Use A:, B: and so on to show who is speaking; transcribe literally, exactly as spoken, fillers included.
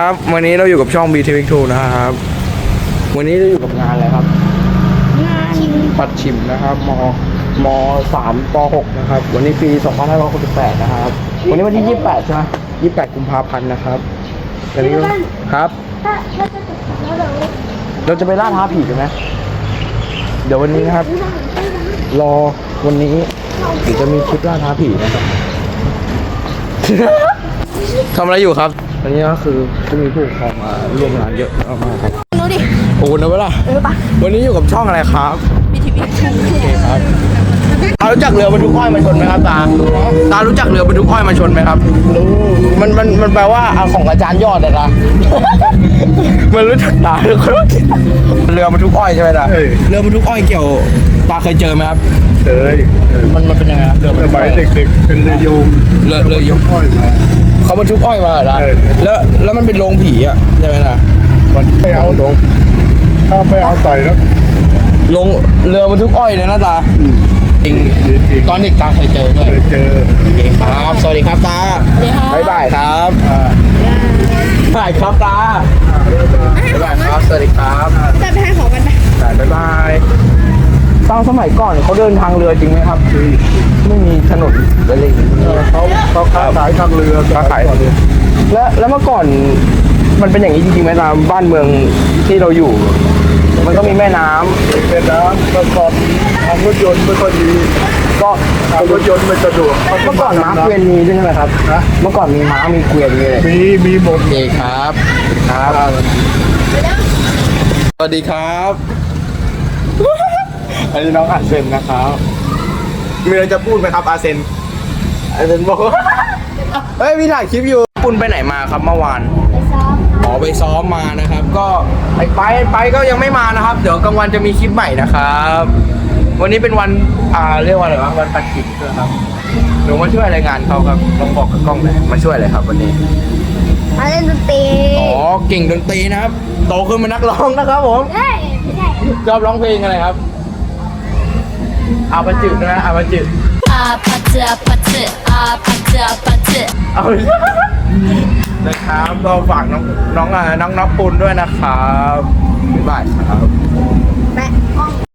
A: ครับวันนี้เราอยู่กับช่อง บี ที วี ทู นะครับวันนี้เราอยู่กับงานอะไรครับงานปัดฉิมนะครับมมสามปหกนะครับวันนี้ปีสองพันห้าร้อยหกสิบแปดนะครับวันนี้วันที่ยี่สิบแปดใช่ไหมยี่สิบแปดกุมภาพันธ์นะครับวันนี้ครับถ้าถ้าจะติดแล้วเราเราจะไปล่าท้าผีกันไหมเดี๋ยววันนี้นะครับรอวันนี้เดี๋ยวจะมีคลิปล่าท้าผีนะครับ ทำอะไรอยู่ครับอันนี้ก็คือจะมีผู้ปกครองมาร่วมงานเยอะมากครับ
B: รู้ดิ
A: โอ้นะเวลา
B: เออปะ
A: วันนี้อยู่กับช่องอะไรครับ
B: บี ที วี ทู
A: โอเคครับตารู้จักเรือบรรทุกอ้อยมาชนไหมครับตาตารู้จักเรือบรรทุกอ้อยมาชนไหมครับรู้มันมันมันแปลว่าของอาจารย์ยอดเลยนะ มันรู้จักตาทุกคนเรือบรรทุกอ้อยใช่ไหมตาเรือบรรทุกอ้อยเกี่ยวตาเคยเจอไหมครับ
C: เคย
A: มันมันเป็นยังไงครับเรือ
C: สมัยเด็กๆเป็นเรือโยม
A: เรือเรือยม
C: อ้อยมา
A: เขาบรรทุกอ้อยมาเหรอแล้วแล้วมันเป็นโรงผีอ่ะใช่ไหมล่ะ
C: มันไม่เอาลงถ้าไม่เอาใส่แล้ว
A: ลงเรือบรรทุกอ้อยเลยนะตาจริงตอนเด็กตาเคยเจอด้วย
C: เคยเจอ
A: ครับสวัสดีครับตาบ๊ายบายครับบ๊ายบายครับตาบ๊ายบายครับสวัสดีครับ
B: จะไปให้ของกันไป
A: บ๊ายบายตอนสมัยก่อนเขาเดินทางเรือจริงไหมครับไม่มีถนนอะไรอย่างเงี้ย
C: เขาเขาค้าขายทางเรือ
A: ค้าขายทางเรือแล้วแล้วเมื่อก่อนมันเป็นอย่างนี้จริงๆไหมตามบ้านเมืองที่เราอยู่มันก็มีแม่น้ำ
C: เป็นน้ำเมื่อก่อนทางรถยนต์ไม่ค่อยดี
A: ก็
C: ทางรถยนต์ไม่สะดวก
A: เมื่อก่อนม้าเกวียนมีใช่ไหมครับนะเมื่อก่อนมีม้ามีเกวียนมีอะไร
C: มีมีหมด
A: เลยครับครับสวัสดีครับอันนี้น้องอาเซนนะครับมีอะไรจะพูดไหมครับอาเซนอาเซนบอกเฮ้ยพี่ถ่ายคลิปอยู่คุณไปไหนมาครับเมื่อวาน
B: ไปซ้อม
A: อ๋อไปซ้อมมานะครับก็ไปไปไปก็ยังไม่มานะครับเดี๋ยวกลางวันจะมีคลิปใหม่นะครับวันนี้เป็นวันอ่าเรียกว่าอะไรวะวันปัดฉิมใช่ไหมครับหนูมาช่วยรายงานเขาครับลองบอกกับกล้องหน่อยมาช่วยเลยครับวันนี้
B: มาเล่นดนตรี
A: อ๋อเก่งดนตรีนะครับโตขึ้นเป็นนักร้องนะครับผม
B: เฮ้ยไม่ใช่
A: ชอบร้องเพลงอะไรครับอาปะจืดนะอาปะจืด
B: อาปะจืดอาปะจืดอาปะจืดอาปะจืด
A: เอานะครับเราฝากน้องน้องอ่ะน้องน้องปุณด้วยนะครับบ๊ายบายครับ
B: แม่